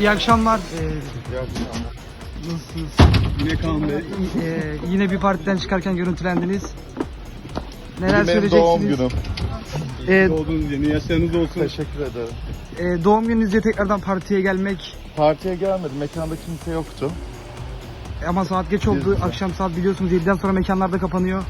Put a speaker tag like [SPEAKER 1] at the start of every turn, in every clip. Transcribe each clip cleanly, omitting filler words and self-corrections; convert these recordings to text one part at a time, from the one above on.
[SPEAKER 1] İyi akşamlar.
[SPEAKER 2] İyi akşamlar.
[SPEAKER 1] Nasılsınız?
[SPEAKER 3] Yine Kaan Bey.
[SPEAKER 1] Yine bir partiden çıkarken görüntülendiniz. Neler
[SPEAKER 2] Bugün benim
[SPEAKER 1] söyleyeceksiniz?
[SPEAKER 2] doğum günüm.
[SPEAKER 3] Doğduğunuz yeni yaşlarınız olsun.
[SPEAKER 2] Teşekkür ederim.
[SPEAKER 1] Doğum gününüzde tekrardan partiye gelmek
[SPEAKER 2] Partiye gelmedim. Mekanda kimse yoktu.
[SPEAKER 1] ama saat geç oldu. Akşam saat biliyorsunuz 7'den sonra mekanlar da kapanıyor.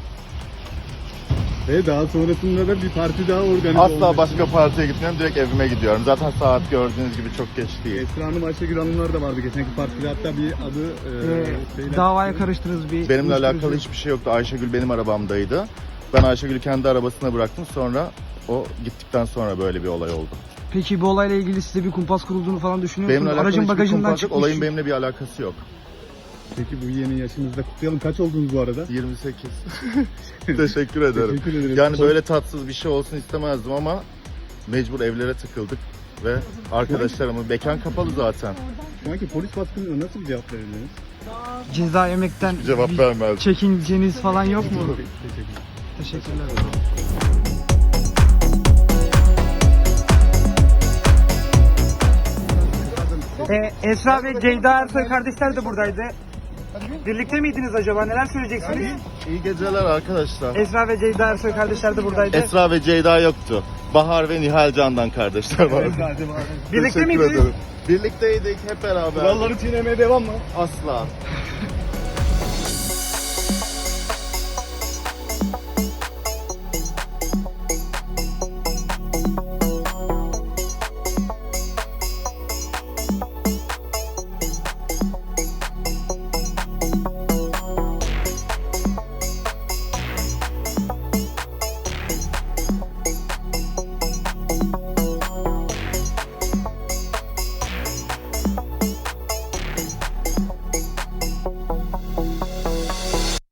[SPEAKER 3] Ve daha sonrasında da bir parti daha organize
[SPEAKER 2] Asla
[SPEAKER 3] olmuş.
[SPEAKER 2] başka partiye gitmiyorum. Direkt evime gidiyorum. Zaten saat gördüğünüz gibi çok geç değil.
[SPEAKER 3] Esra Hanım, Ayşegül Hanımlar da vardı geçenki partide. Hatta bir adı...
[SPEAKER 1] Davaya karıştınız bir.
[SPEAKER 2] Benimle alakalı
[SPEAKER 1] uyuşturucu.
[SPEAKER 2] hiçbir şey yoktu. Ayşegül benim arabamdaydı. Ben Ayşegül'ü kendi arabasına bıraktım. Sonra o gittikten sonra böyle bir olay oldu.
[SPEAKER 1] Peki bu olayla ilgili size bir kumpas kurulduğunu falan düşünüyor
[SPEAKER 2] Benimle
[SPEAKER 1] musunuz?
[SPEAKER 2] alakalı
[SPEAKER 1] Aracın
[SPEAKER 2] hiçbir
[SPEAKER 1] bagajından
[SPEAKER 2] kumpas yok.
[SPEAKER 1] çıkmış.
[SPEAKER 2] Olayın benimle bir alakası yok.
[SPEAKER 3] Peki bu yeni yaşınızda kutlayalım. Kaç oldunuz bu arada?
[SPEAKER 2] 28. Teşekkür ederim.
[SPEAKER 3] Teşekkür ederiz.
[SPEAKER 2] Yani böyle tatsız bir şey olsun istemezdim ama mecbur evlere tıkıldık ve arkadaşlarımın mekan kapalı zaten.
[SPEAKER 3] Şu anki polis baskınına nasıl bir cevap verirdiniz?
[SPEAKER 1] Ceza yemekten
[SPEAKER 2] Cevap
[SPEAKER 1] bir
[SPEAKER 2] vermez.
[SPEAKER 1] çekinceniz falan yok mu?
[SPEAKER 3] Teşekkür
[SPEAKER 1] Teşekkürler. Esra ve Ceyda Ersoy kardeşler de buradaydı. Birlikte miydiniz acaba? Neler söyleyeceksiniz?
[SPEAKER 2] İyi geceler arkadaşlar.
[SPEAKER 1] Esra ve Ceyda Ersoy kardeşler de buradaydı.
[SPEAKER 2] Esra ve Ceyda yoktu. Bahar ve Nihal Candan kardeşler vardı.
[SPEAKER 1] Birlikte
[SPEAKER 2] Teşekkür
[SPEAKER 1] miydiniz?
[SPEAKER 2] ederim. Birlikteydik hep beraber.
[SPEAKER 3] Kuralları çiğnemeye devam mı?
[SPEAKER 2] Asla.